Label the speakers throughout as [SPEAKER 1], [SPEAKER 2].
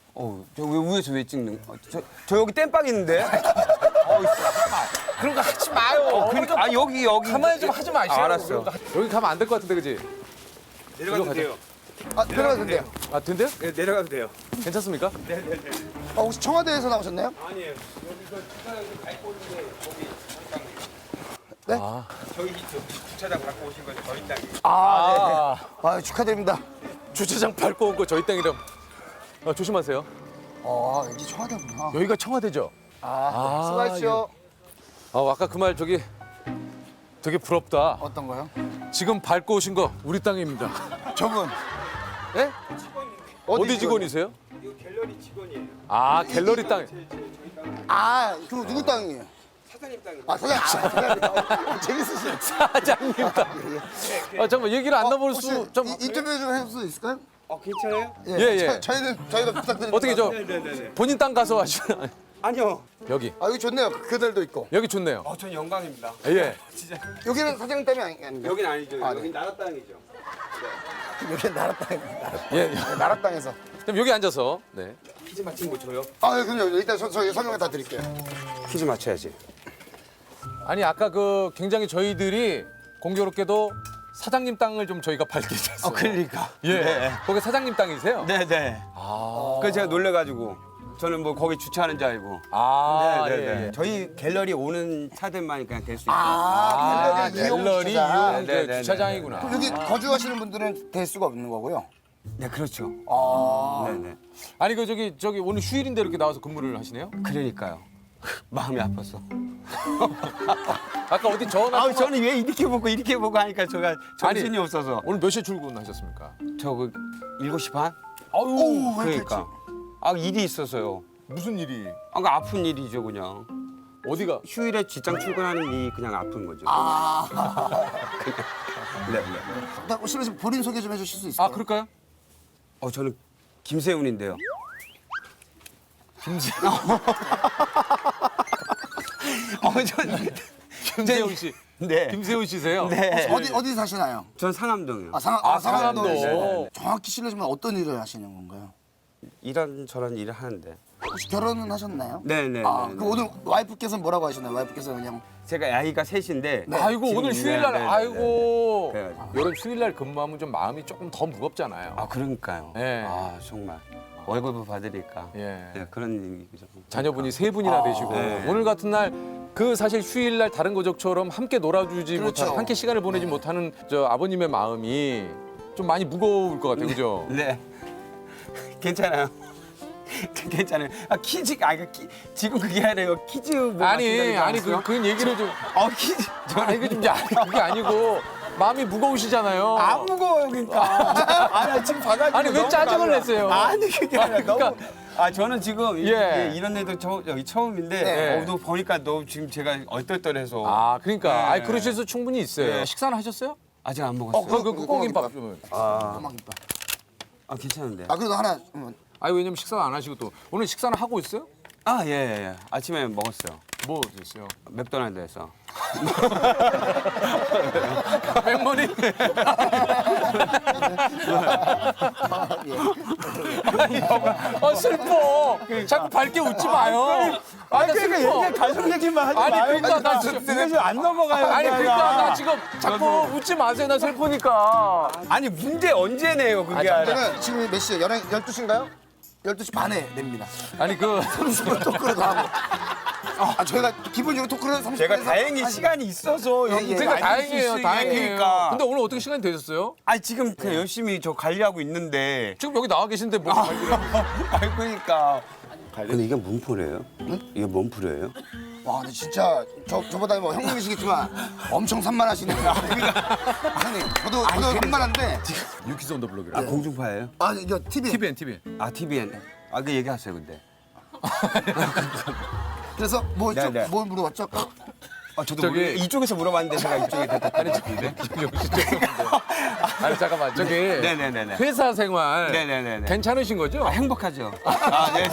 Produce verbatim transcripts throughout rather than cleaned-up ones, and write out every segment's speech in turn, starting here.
[SPEAKER 1] 어, 저 왜 위에서 왜 찍는? 어, 저, 저 여기 땜빵 있는데. 어,
[SPEAKER 2] 그런 거 하지 마요.
[SPEAKER 1] 어, 그러니까 아 여기 여기.
[SPEAKER 2] 가만히 좀 하지 마시고.
[SPEAKER 1] 아, 알았어.
[SPEAKER 2] 여기 가면 안 될 것 같은데, 그지?
[SPEAKER 1] 내려가도 돼요.
[SPEAKER 3] 아, 내려가도 돼요.
[SPEAKER 2] 아, 된대요?
[SPEAKER 1] 네, 내려가도 돼요.
[SPEAKER 2] 괜찮습니까?
[SPEAKER 3] 아, 혹시 청와대에서 나오셨나요?
[SPEAKER 1] 아니에요. 여기서 주차장에서 밟고 있는데 거기
[SPEAKER 3] 네?
[SPEAKER 2] 아,
[SPEAKER 1] 저희 저 주차장 갖고 오신 거죠 저희 땅이.
[SPEAKER 3] 아, 네. 아, 축하드립니다.
[SPEAKER 2] 주차장 밟고 온 거 저희 땅이랑. 아, 조심하세요.
[SPEAKER 3] 아, 여기 청와대구나.
[SPEAKER 2] 여기가 청와대죠?
[SPEAKER 3] 아,
[SPEAKER 2] 아,
[SPEAKER 3] 수고하십시오.
[SPEAKER 2] 아, 아까 그 말 저기 되게 부럽다.
[SPEAKER 3] 어떤 거요?
[SPEAKER 2] 지금 밟고 오신 거 우리 땅입니다.
[SPEAKER 3] 저분.
[SPEAKER 2] 예? 어디 직원이세요?
[SPEAKER 1] 이거 갤러리 직원이에요.
[SPEAKER 2] 아, 갤러리 땅.
[SPEAKER 3] 아, 그럼 누구 땅이에요?
[SPEAKER 1] 사장님 땅이.
[SPEAKER 3] 아, 사장님. 아, 사장님. 재밌으시네.
[SPEAKER 2] 사장님 땅. 아, 잠깐만 얘기를 안 나볼
[SPEAKER 3] 혹시
[SPEAKER 2] 수 좀.
[SPEAKER 3] 이- 인터뷰 좀 해줄 수 있을까요?
[SPEAKER 1] 어 괜찮아요?
[SPEAKER 3] 예,
[SPEAKER 2] 예, 예.
[SPEAKER 3] 저, 저희는 저희가 부탁드립니다.
[SPEAKER 2] 어떻게 저
[SPEAKER 1] 네네네.
[SPEAKER 2] 본인 땅 가서 하시나?
[SPEAKER 1] 아니요.
[SPEAKER 2] 여기
[SPEAKER 3] 아, 여기 좋네요. 그들도 있고.
[SPEAKER 2] 여기 좋네요.
[SPEAKER 1] 어, 전 영광입니다.
[SPEAKER 2] 예.
[SPEAKER 1] 진짜.
[SPEAKER 3] 여기는 사장님 땅이 아니- 아닌가요?
[SPEAKER 1] 여긴 아니죠.
[SPEAKER 3] 아, 네.
[SPEAKER 1] 여긴 나라 땅이죠.
[SPEAKER 3] 여기는 나라 땅입니다.
[SPEAKER 2] 예. 예.
[SPEAKER 3] 나라 땅에서.
[SPEAKER 2] 그럼 여기 앉아서. 네.
[SPEAKER 1] 퀴즈 맞힌 거 줘요?
[SPEAKER 3] 아, 네, 그럼요. 일단 저, 저희 설명 다 드릴게요.
[SPEAKER 1] 퀴즈 맞춰야지.
[SPEAKER 2] 아니 아까 그 굉장히 저희들이 공교롭게도 사장님 땅을 좀 저희가 밟게 됐어요.
[SPEAKER 1] 그러니까.
[SPEAKER 2] 예.
[SPEAKER 1] 네.
[SPEAKER 2] 거기 사장님 땅이세요?
[SPEAKER 1] 네네.
[SPEAKER 2] 아.
[SPEAKER 1] 그래서 제가 놀래가지고 저는 뭐 거기 주차하는 줄 알고.
[SPEAKER 2] 아,
[SPEAKER 1] 네네네.
[SPEAKER 2] 예, 예.
[SPEAKER 1] 저희 갤러리 오는 차들만 그냥 될 수 있어요.
[SPEAKER 3] 아,
[SPEAKER 2] 아,
[SPEAKER 3] 갤러리 이용
[SPEAKER 2] 갤러리
[SPEAKER 3] 주차장.
[SPEAKER 2] 이용 그
[SPEAKER 1] 네, 네,
[SPEAKER 2] 주차장이구나.
[SPEAKER 3] 그럼 여기 거주하시는 분들은 될 수가 없는 거고요.
[SPEAKER 1] 네, 그렇죠.
[SPEAKER 3] 아,
[SPEAKER 1] 네네.
[SPEAKER 2] 아니 그 저기 저기 오늘 휴일인데 이렇게 나와서 근무를 하시네요?
[SPEAKER 1] 그러니까요. 마음이 아팠어.
[SPEAKER 2] 아까 어디 전화
[SPEAKER 1] 아, 저는 왜 이렇게 보고 이렇게 보고 하니까 제가 정신이
[SPEAKER 2] 아니,
[SPEAKER 1] 없어서.
[SPEAKER 2] 오늘 몇 시에 출근하셨습니까?
[SPEAKER 1] 저 그 일곱 시 반?
[SPEAKER 2] 아유,
[SPEAKER 1] 그러니까. 아, 일이 있어서요.
[SPEAKER 2] 무슨 일이?
[SPEAKER 1] 아, 그 아픈 일이죠, 그냥.
[SPEAKER 2] 어디가?
[SPEAKER 1] 휴일에 직장 출근하는 일이 그냥 아픈 거죠.
[SPEAKER 3] 아.
[SPEAKER 1] 네, 네.
[SPEAKER 3] 나 혹시 본인 소개 좀 해주실 수 있을까요?
[SPEAKER 2] 아 그럴까요?
[SPEAKER 1] 어, 저는 김세훈인데요.
[SPEAKER 2] 김세훈.
[SPEAKER 1] 어, 전
[SPEAKER 2] 김세훈 씨.
[SPEAKER 1] 네.
[SPEAKER 2] 김세훈 씨세요?
[SPEAKER 1] 네.
[SPEAKER 3] 어디 어디 사시나요?
[SPEAKER 1] 전 상암동이요.
[SPEAKER 3] 아, 상암,
[SPEAKER 2] 아,
[SPEAKER 3] 아, 상암동.
[SPEAKER 2] 상암동.
[SPEAKER 3] 네. 정확히 실례지만 어떤 일을 하시는 건가요?
[SPEAKER 1] 이런 저런 일을 하는데.
[SPEAKER 3] 혹시 결혼은 하셨나요?
[SPEAKER 1] 네, 네,
[SPEAKER 3] 아,
[SPEAKER 1] 네,
[SPEAKER 3] 그
[SPEAKER 1] 네.
[SPEAKER 3] 오늘 와이프께서 뭐라고 하시나요? 와이프께서 그냥
[SPEAKER 1] 제가 아이가 셋인데.
[SPEAKER 2] 아이고
[SPEAKER 1] 지금-
[SPEAKER 2] 오늘 휴일날
[SPEAKER 1] 네, 네, 네,
[SPEAKER 2] 아이고
[SPEAKER 1] 네.
[SPEAKER 2] 이런 휴일날 근무하면 좀 마음이 조금 더 무겁잖아요.
[SPEAKER 1] 아, 그러니까요.
[SPEAKER 2] 네.
[SPEAKER 1] 아, 정말. 월급을 받으니까.
[SPEAKER 2] 예.
[SPEAKER 1] 네, 그런 얘기죠.
[SPEAKER 2] 자녀분이 세 분이나 되시고
[SPEAKER 1] 네.
[SPEAKER 2] 오늘 같은 날 그 사실 휴일날 다른 가족처럼 함께 놀아주지
[SPEAKER 3] 그렇죠.
[SPEAKER 2] 못하는 함께 시간을 보내지 못하는 저 아버님의 마음이 좀 많이 무거울 것 같아요, 그죠?
[SPEAKER 1] 네. 괜찮아요. 괜찮아요. 아, 퀴즈, 아, 그 키, 지금 그게 아니라요. 퀴즈 뭐
[SPEAKER 2] 아니
[SPEAKER 1] 맞춘다는
[SPEAKER 2] 아니
[SPEAKER 1] 줄
[SPEAKER 2] 그, 그 얘기를 좀
[SPEAKER 1] 알았어요? 어, 퀴즈.
[SPEAKER 2] 아니 이게 좀 아니, 그게 아니고 마음이 무거우시잖아요.
[SPEAKER 1] 안 무거워요, 그러니까. 아, 나 지금 봐가지고.
[SPEAKER 2] 아니, 왜
[SPEAKER 1] 너무
[SPEAKER 2] 짜증을
[SPEAKER 1] 깜짝-
[SPEAKER 2] 냈어요?
[SPEAKER 1] 아니, 그게 아니라
[SPEAKER 2] 아니, 그러니까-
[SPEAKER 1] 너무. 아, 저는 지금 이-
[SPEAKER 2] 예.
[SPEAKER 1] 예, 이런 애도 처, 여기 처음인데,
[SPEAKER 2] 네.
[SPEAKER 1] 어, 너 보니까 너 지금 제가 얼떨떨해서.
[SPEAKER 2] 아 그러니까
[SPEAKER 1] 네.
[SPEAKER 2] 아니 그러실 수 충분히 있어요.
[SPEAKER 1] 네.
[SPEAKER 2] 식사는 하셨어요?
[SPEAKER 1] 아직 안 먹었어요.
[SPEAKER 2] 그, 그, 그 꽁김밥 좀.
[SPEAKER 1] 아,
[SPEAKER 3] 꼬막김밥.
[SPEAKER 1] 아, 괜찮은데.
[SPEAKER 3] 아, 그래도 하나. 음,
[SPEAKER 2] 아니 왜냐면 식사 안 하시고 또 오늘 식사는 하고 있어요?
[SPEAKER 1] 아, 예, 예, 예. 아침에 먹었어요.
[SPEAKER 2] 뭐 드셨어요?
[SPEAKER 1] 맥도날드에서.
[SPEAKER 2] 백머니. 아니, 어 슬퍼. 자꾸 밝게 웃지 마요. 아, 나 슬퍼.
[SPEAKER 1] 가족 얘기만 하지
[SPEAKER 2] 아니,
[SPEAKER 1] 마요.
[SPEAKER 2] 그러니까 나 지금
[SPEAKER 1] 지금 안 넘어가요.
[SPEAKER 2] 아니
[SPEAKER 1] 그냥.
[SPEAKER 2] 그러니까 나 지금 자꾸 웃지 마세요. 나 슬프니까.
[SPEAKER 1] 아니, 문제 언제 내요, 그게
[SPEAKER 2] 아,
[SPEAKER 1] 아니라.
[SPEAKER 3] 저는 지금 몇 시에? 열두 시인가요? 열두 시 반에 냅니다.
[SPEAKER 2] 아니 그
[SPEAKER 3] 삼십 분 토크를 더 하고. 아, 저희가 기본적으로 토크를 삼십
[SPEAKER 1] 제가
[SPEAKER 3] 분에서
[SPEAKER 1] 다행히
[SPEAKER 3] 하시-
[SPEAKER 1] 시간이 있어서
[SPEAKER 3] 예,
[SPEAKER 1] 여기
[SPEAKER 3] 예.
[SPEAKER 2] 그러니까
[SPEAKER 1] 많이 있을
[SPEAKER 2] 다행이에요.
[SPEAKER 1] 수
[SPEAKER 2] 다행이에요.
[SPEAKER 1] 있으니까.
[SPEAKER 2] 근데 오늘 어떻게 시간이 되셨어요?
[SPEAKER 1] 아니, 지금 그냥 열심히 저 관리하고 있는데.
[SPEAKER 2] 지금 여기 나와 계신데 뭐 관리를
[SPEAKER 1] 아, 그러니까. 근데 이게 뭔 풀이에요? 이게 뭔 풀이에요?
[SPEAKER 3] 와, 근데 진짜 저 저보다 뭐 형님이시겠지만 엄청 산만하시네요. 형님, 저도 저도 산만한데.
[SPEAKER 2] 유키즈 온 더 블록이라.
[SPEAKER 1] 아, 공중파예요?
[SPEAKER 3] 아, 이거 티비.
[SPEAKER 2] 티비엔 티비엔.
[SPEAKER 1] 아, 티비엔. 아, 그 얘기하세요, 근데.
[SPEAKER 3] 그래서 뭐,
[SPEAKER 1] 네,
[SPEAKER 3] 저,
[SPEAKER 1] 네.
[SPEAKER 3] 뭘 물어봤죠?
[SPEAKER 1] 아, 저도
[SPEAKER 2] 저기-
[SPEAKER 1] 모르- 이쪽에서 물어봤는데 제가 이쪽에 대답하는
[SPEAKER 2] 역시 죄송한데. 아니 잠깐만 저기
[SPEAKER 1] 네네네네.
[SPEAKER 2] 회사 생활
[SPEAKER 1] 네네네네.
[SPEAKER 2] 괜찮으신 거죠?
[SPEAKER 1] 아, 행복하죠. 아, 네.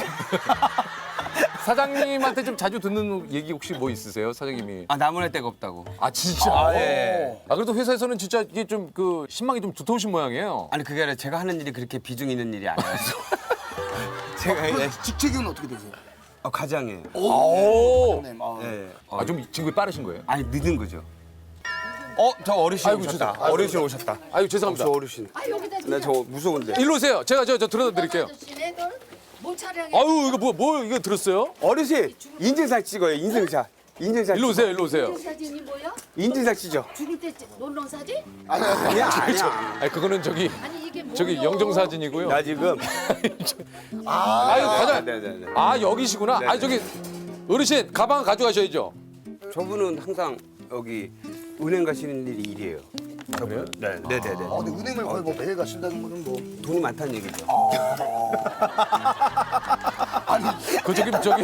[SPEAKER 2] 사장님한테 좀 자주 듣는 얘기 혹시 뭐 있으세요, 사장님이?
[SPEAKER 1] 아, 나무랄 데가 없다고.
[SPEAKER 2] 아 진짜?
[SPEAKER 1] 아, 예.
[SPEAKER 2] 아 그래도 회사에서는 진짜 이게 좀 그 신망이 좀 두터우신 모양이에요.
[SPEAKER 1] 아니, 그게 아니라 제가 하는 일이 그렇게 비중 있는 일이 아니라서. 제가 예.
[SPEAKER 3] 직책은 어떻게 되세요?
[SPEAKER 1] 어, 가장이에요.
[SPEAKER 2] 오.
[SPEAKER 3] 네, 아.
[SPEAKER 1] 예.
[SPEAKER 2] 아, 좀 진급이 빠르신 거예요?
[SPEAKER 1] 아니 늦은 거죠. 어, 저 어르신
[SPEAKER 2] 아이고,
[SPEAKER 1] 오셨다.
[SPEAKER 2] 죄송-
[SPEAKER 1] 어르신 오셨다.
[SPEAKER 2] 아유, 죄송합니다.
[SPEAKER 1] 저 어르신.
[SPEAKER 4] 아 여기다
[SPEAKER 1] 나 저 무서운데.
[SPEAKER 2] 일로 오세요. 제가 저, 저 들어다 드릴게요.
[SPEAKER 4] 아저씨네 너는 뭘 촬영해?
[SPEAKER 2] 아유, 이거 뭐, 뭐, 이거 들었어요?
[SPEAKER 1] 어르신 인증샷 찍어요. 인증샷. 인증샷.
[SPEAKER 2] 일로 오세요, 일로 오세요.
[SPEAKER 4] 사진이 뭐야?
[SPEAKER 1] 인증샷 찍죠.
[SPEAKER 4] 죽을 때 찍- 놀러 사진?
[SPEAKER 1] 아니야 아니야.
[SPEAKER 2] 아니, 그거는 저기,
[SPEAKER 4] 아니 이게 뭐야?
[SPEAKER 2] 저기 영정사진이고요.
[SPEAKER 1] 나 지금.
[SPEAKER 2] 아유, 과장.
[SPEAKER 1] 네네네.
[SPEAKER 2] 아, 여기시구나.
[SPEAKER 1] 네,
[SPEAKER 2] 아, 저기, 어르신, 가방 가져가셔야죠.
[SPEAKER 1] 저분은 항상 여기 은행 가시는 일이 일이에요.
[SPEAKER 2] 그래요?
[SPEAKER 1] 네, 네, 네, 네.
[SPEAKER 3] 어, 근데 은행을 거의 뭐 매일 가신다는 거는 뭐
[SPEAKER 1] 돈이 많다는 얘기죠.
[SPEAKER 2] 그 저기, 저기,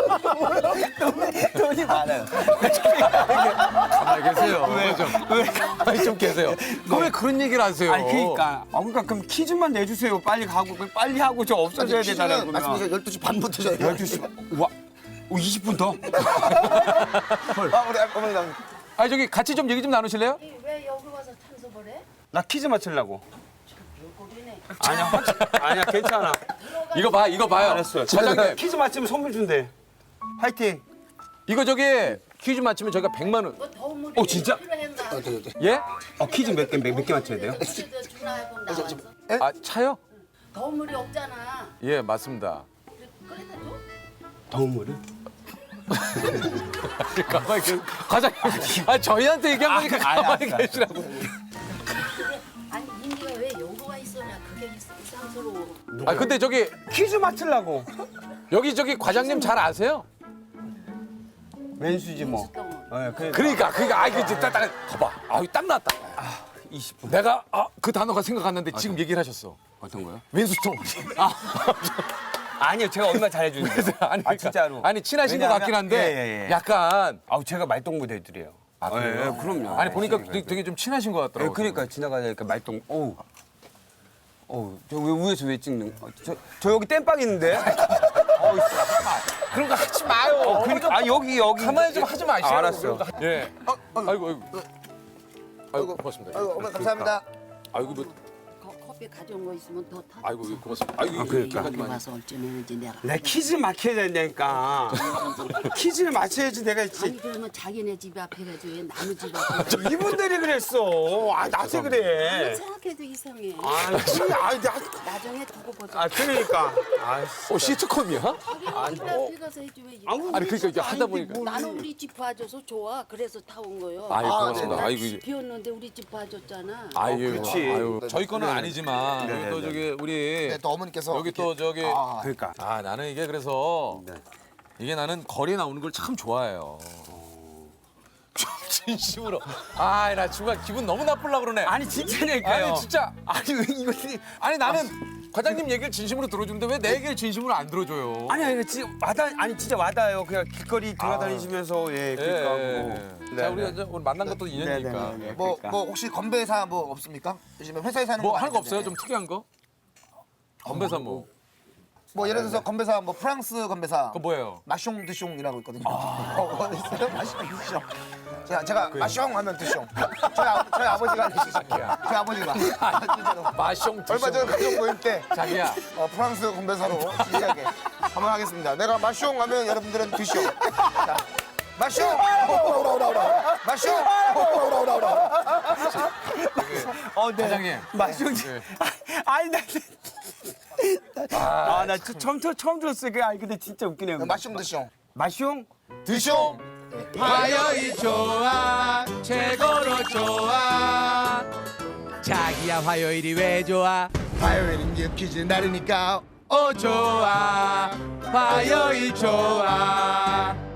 [SPEAKER 1] 돈이 많아요.
[SPEAKER 2] 가만히 계세요. 왜? 좀, 왜? 가만히 좀 계세요. 왜 그런 얘기를 하세요?
[SPEAKER 1] 아니 그러니까, 아 그러니까 그럼 퀴즈만 내주세요. 빨리 가고 빨리 하고 저 없어져야 되잖아요. 그러면.
[SPEAKER 3] 말씀하세요. 열두 시 반부터 저희가
[SPEAKER 1] 열두 시. 와, 오, 이십 분 더?
[SPEAKER 3] 아, 우리 어머니 나
[SPEAKER 2] 아니, 저기, 같이 좀 얘기 좀 나누실래요?
[SPEAKER 4] 왜 여기 와서 참석을 해?
[SPEAKER 1] 나 퀴즈 맞추려고.
[SPEAKER 4] 요꼴이네.
[SPEAKER 1] 아니야, 확실- 아니야, 괜찮아.
[SPEAKER 2] 이거 봐, 이거 봐요.
[SPEAKER 1] 알았어요.
[SPEAKER 2] 사장님,
[SPEAKER 1] 퀴즈 맞추면 선물 준대. 화이팅.
[SPEAKER 2] 이거 저기, 퀴즈 맞히면 저희가 백만 원.
[SPEAKER 4] 뭐 더운 물이
[SPEAKER 1] 어, 진짜?
[SPEAKER 4] 필요했나?
[SPEAKER 2] 예?
[SPEAKER 1] 어, 퀴즈 몇 개, 몇 개 맞춰야 돼요?
[SPEAKER 4] 그래도 주나하고 나와서
[SPEAKER 2] 아, 차요?
[SPEAKER 4] 더운 물이 없잖아.
[SPEAKER 2] 예, 맞습니다.
[SPEAKER 4] 그래- 그래다 줘?
[SPEAKER 1] 더운 물을?
[SPEAKER 2] 가만히 계세요. 과장님, 아, 저희한테 얘기한 거니까
[SPEAKER 1] 아, 알았어,
[SPEAKER 2] 가만히
[SPEAKER 1] 알았어.
[SPEAKER 2] 계시라고.
[SPEAKER 4] 아니 인디가 왜 여기 와 있어냐? 그게 이- 이상스러워.
[SPEAKER 2] 아, 근데 저기,
[SPEAKER 1] 퀴즈 맞추려고.
[SPEAKER 2] 여기 저기 과장님 잘 아세요?
[SPEAKER 1] 왼수지 뭐.
[SPEAKER 4] 덩어.
[SPEAKER 1] 네, 그러니까.
[SPEAKER 2] 그러니까, 그러니까, 아, 이거 진짜 딱, 딱, 봐봐. 아, 딱 나왔다.
[SPEAKER 1] 이십 분.
[SPEAKER 2] 내가, 아, 그 단어가 생각났는데 지금 얘기를 하셨어.
[SPEAKER 1] 어떤 거요?
[SPEAKER 2] 왼수통. 아,
[SPEAKER 1] 아니요, 제가 얼마나 잘해주는데.
[SPEAKER 2] 아니,
[SPEAKER 1] 아,
[SPEAKER 2] 그러니까,
[SPEAKER 1] 진짜로.
[SPEAKER 2] 아니, 친하신 것
[SPEAKER 1] 왜냐하면-
[SPEAKER 2] 같긴 한데,
[SPEAKER 1] 예, 예, 예.
[SPEAKER 2] 약간.
[SPEAKER 1] 아우, 제가 말동무대 애들이에요.
[SPEAKER 2] 아, 그래요?
[SPEAKER 1] 예, 그럼요.
[SPEAKER 2] 아니, 보니까
[SPEAKER 1] 예,
[SPEAKER 2] 되게, 되게 좀 친하신 것
[SPEAKER 1] 예,
[SPEAKER 2] 같더라고요.
[SPEAKER 1] 그러니까 지나가니까 말동, 어우. 어우, 저 왜 위에서 왜 찍는, 어, 저, 저 여기 땜빵 있는데? 어우, 씨.
[SPEAKER 2] 그런 거 하지 마요.
[SPEAKER 1] 어, 그러니까, 아, 여기, 여기.
[SPEAKER 2] 가만히 좀 하지 마시고.
[SPEAKER 1] 아, 알았어.
[SPEAKER 2] 예.
[SPEAKER 3] 어, 어,
[SPEAKER 2] 아이고, 아이고. 아이고, 고맙습니다.
[SPEAKER 3] 아이고, 어머니 감사합니다.
[SPEAKER 2] 아이고, 뭐,
[SPEAKER 4] 거- 커피 가져온 거 있으면 더 타.
[SPEAKER 2] 아이고, 고맙습니다. 아이고,
[SPEAKER 1] 아, 그러니까.
[SPEAKER 4] 여기 와서 어쩌는지 내가.
[SPEAKER 1] 내 퀴즈 맞춰야 된다니까. 퀴즈를 맞춰야지 내가
[SPEAKER 4] 아니
[SPEAKER 1] 있지.
[SPEAKER 4] 그러면 자기네 집 앞에 가지 왜 남의 집 앞에?
[SPEAKER 1] 이분들이 그랬어. 아, 나한테 그래.
[SPEAKER 4] 생각해도 이상해.
[SPEAKER 1] 아, 씨, 아, 나,
[SPEAKER 4] 나중에 두고 보자.
[SPEAKER 1] 아, 그러니까. 아, 씨.
[SPEAKER 2] 어, 시트콤이야?
[SPEAKER 4] 자기네 집 앞에 가서 해지 왜?
[SPEAKER 1] 아무
[SPEAKER 2] 아니, 그러니까 이게 하다
[SPEAKER 1] 아닌데
[SPEAKER 2] 보니까.
[SPEAKER 1] 뭘.
[SPEAKER 4] 나는 우리 집 봐줘서 좋아. 그래서 타온 거요.
[SPEAKER 2] 아유,
[SPEAKER 3] 아,
[SPEAKER 2] 고맙습니다.
[SPEAKER 3] 네.
[SPEAKER 2] 아이고, 이게.
[SPEAKER 4] 비었는데 우리 집 봐줬잖아.
[SPEAKER 2] 아유,
[SPEAKER 1] 그렇지.
[SPEAKER 2] 아유. 저희 거는
[SPEAKER 1] 네.
[SPEAKER 2] 아니지만
[SPEAKER 1] 네,
[SPEAKER 2] 여기
[SPEAKER 1] 네,
[SPEAKER 2] 또
[SPEAKER 1] 네.
[SPEAKER 2] 저기 우리
[SPEAKER 3] 네, 또 어머니께서
[SPEAKER 2] 여기 또 저기
[SPEAKER 3] 아,
[SPEAKER 1] 그러니까.
[SPEAKER 2] 아 나는 이게 그래서
[SPEAKER 1] 네.
[SPEAKER 2] 이게 나는 거리에 나오는 걸 참 좋아해요. 진심으로. 아, 나 중간 기분 너무 나쁘려 그러네.
[SPEAKER 1] 아니, 진짜니까요.
[SPEAKER 2] 아니, 진짜.
[SPEAKER 1] 아니, 왜 이거.
[SPEAKER 2] 아니 나는 과장님 얘기를 진심으로 들어주는데 왜 내 얘기를 진심으로 안 들어줘요?
[SPEAKER 1] 아니, 아니, 진짜 와닿, 아니, 진짜 와닿아요. 그냥 길거리 돌아다니시면서, 예,
[SPEAKER 2] 예,
[SPEAKER 1] 그러니까.
[SPEAKER 2] 예,
[SPEAKER 1] 뭐.
[SPEAKER 2] 예.
[SPEAKER 1] 네,
[SPEAKER 2] 자, 우리가
[SPEAKER 1] 네.
[SPEAKER 2] 이제 오늘 만난 것도 인연이니까.
[SPEAKER 1] 네, 네, 네, 네.
[SPEAKER 3] 뭐,
[SPEAKER 1] 그러니까.
[SPEAKER 3] 뭐 혹시 건배사 뭐 없습니까? 요즘에 회사에서 하는
[SPEAKER 2] 뭐
[SPEAKER 3] 거
[SPEAKER 2] 하는 거
[SPEAKER 3] 많은데.
[SPEAKER 2] 없어요? 좀 특이한 거? 건배사 뭐?
[SPEAKER 3] 뭐 예를 들어서 건배사 뭐 프랑스 건배사
[SPEAKER 2] 그거 뭐예요?
[SPEAKER 3] 마숑 드숑이라고 있거든요. 어, 있어요? 마숑 드숑. 제가 제가 마숑 하면 드숑. 저희, 아, 저희 아버지가 하시죠. 저희 아버지가. 진짜로.
[SPEAKER 2] 마숑
[SPEAKER 3] 얼마 전에 가족 모임 때
[SPEAKER 2] 자기야.
[SPEAKER 3] 어, 프랑스 건배사로 진지하게 한번 하겠습니다. 내가 마숑 하면 여러분들은 드숑. 자, 마숑! 마숑!
[SPEAKER 1] 어, 네.
[SPEAKER 2] 과장님.
[SPEAKER 1] 마시오지.
[SPEAKER 2] 네.
[SPEAKER 1] 아니, 나. 아, 나 저- 처음, 들- 처음 들었어요. 그, 아니, 근데 진짜 웃기네요.
[SPEAKER 3] 마숑 드숑.
[SPEAKER 1] 마숑?
[SPEAKER 3] 드숑!
[SPEAKER 5] 화요일 좋아 최고로 좋아 자기야 화요일이 왜 좋아
[SPEAKER 3] 화요일은 퀴즈 날이니까
[SPEAKER 5] 오 좋아 화요일 좋아